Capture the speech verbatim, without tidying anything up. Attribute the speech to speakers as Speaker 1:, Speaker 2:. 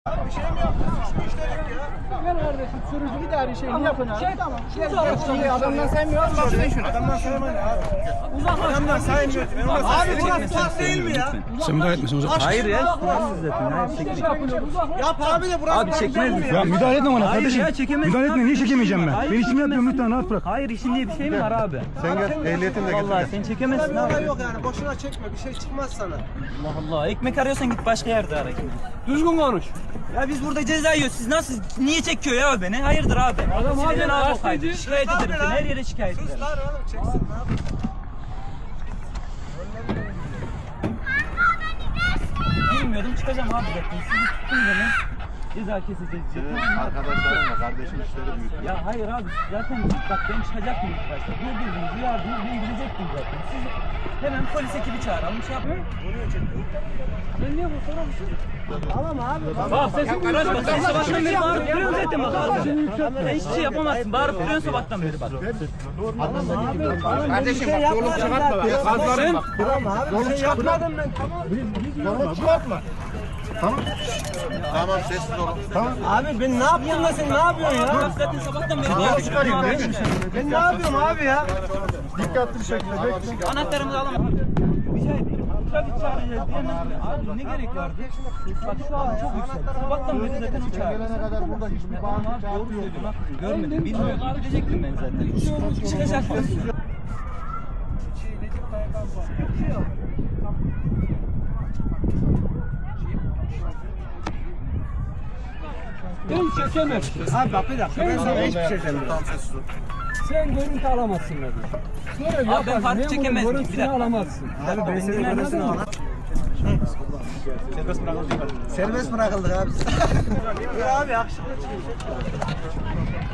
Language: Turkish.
Speaker 1: Bir şey mi yaptın? Suç mu işledik ya?
Speaker 2: Gel kardeşim sürücü idari şeyini yapın abi.
Speaker 3: Şey,
Speaker 2: Tamam.
Speaker 3: Gel,
Speaker 2: Gel gel. Adamdan saymıyoruz.
Speaker 1: Bakın şunu. Adamdan saymayın abi.
Speaker 3: Uzaklaş.
Speaker 1: Adamdan saymıyor. Abi burası park değil mi ya?
Speaker 4: Sen müdahale etmesin uzak.
Speaker 5: Hayır ya. Zaten. Hayır çekmeyin.
Speaker 1: Yap abi de burası
Speaker 5: Abi
Speaker 1: park
Speaker 5: çekmez
Speaker 1: değil mi
Speaker 5: misin?
Speaker 4: Ya müdahale etme bana
Speaker 5: Hayır
Speaker 4: kardeşim.
Speaker 5: ya, çekemezsin
Speaker 4: Müdahale etme
Speaker 5: abi.
Speaker 4: niye çekemeyeceğim ben?
Speaker 5: Hayır,
Speaker 4: Ben işimi yapıyorum
Speaker 5: çekemezsin.
Speaker 4: lütfen rahat bırak.
Speaker 5: Hayır işin diye bir şey mi var abi?
Speaker 6: Sen gel ehliyetini de getir.
Speaker 5: Vallahi sen çekemezsin
Speaker 1: Olay
Speaker 5: abi.
Speaker 1: yok yani. Boşuna çekme. Bir şey çıkmaz sana.
Speaker 5: Allah Allah. Ekmek arıyorsan git başka yerde ara.
Speaker 2: Düzgün konuş.
Speaker 5: Ya biz burada ceza yiyoruz. Siz nasıl niye çekiyor ya beni? Hayırdır abi?
Speaker 2: Adam abi,
Speaker 5: Sizden
Speaker 2: abi,
Speaker 5: abi o kaydı.
Speaker 2: abi,
Speaker 5: Şikayet ederim seni. Her yere şikayet ederim.
Speaker 1: Sus lan oğlum. Çeksin ne yapayım?
Speaker 5: Bilmiyordum çıkacağım abi zaten. Sizi tuttun beni. Ceza keseceğiz.
Speaker 6: Arkadaşlarınla kardeşin işleri büyütüyor.
Speaker 5: Ya hayır abi zaten bak ben çıkacaktım ilk başta. Durdurdunuz, uyardınız, ben gidecektim zaten. Siz hemen polis ekibi çağıralım, şey yapmayın.
Speaker 2: Sen niye bu sorar mısın?
Speaker 1: Tamam abi.
Speaker 5: Bak sesin karışma, sen sabahtan beri bağırıp duruyorsun zaten bak abi. Sen hiçbir şey yapamazsın, bağırıp duruyorsun sabahtan beri bak.
Speaker 1: Kardeşim bak yolu çıkartma bak. Kazlarım bak. Tamam abi. Bir şey yapmadım ben. Tamam. Yolu çıkartma.
Speaker 6: Tamam sessiz olun.
Speaker 1: Abi ben ne yaptım da sen ne yapıyorsun ya?
Speaker 5: Bak zaten sabahtan beri bağırıp
Speaker 1: Ben ne yapıyorum abi ya?
Speaker 6: Dikkatli bir şekilde bekle.
Speaker 5: anahtarımızı alalım. Rica ederim. Trafik çağıracağız diyemez mi? Abi ne gerek vardı? Bak şu an çok yüksek. Sabahtan beri zaten o çağırıyor.
Speaker 6: Gelene kadar burada hiçbir
Speaker 5: Tamam abi doğru söylüyorsun haklısın. Görmedim, bilmiyordum. Gidecektim ben zaten. Çıkacaktım.
Speaker 2: Ben çekemem.
Speaker 1: Abi bak bir dakika ben sana hiçbir şey demiyorum.
Speaker 6: Tamam sessiz ol.
Speaker 2: Sen görüntü alamazsın dedi. Sonra
Speaker 5: Abi ben farkı çekemez miyim? Bir
Speaker 2: görüntüsünü
Speaker 5: dakika.
Speaker 2: alamazsın.
Speaker 1: Abi ben seni görürsün ama. Serbest bırakıldık abi. Ya abi yakışıklı çıkıyor.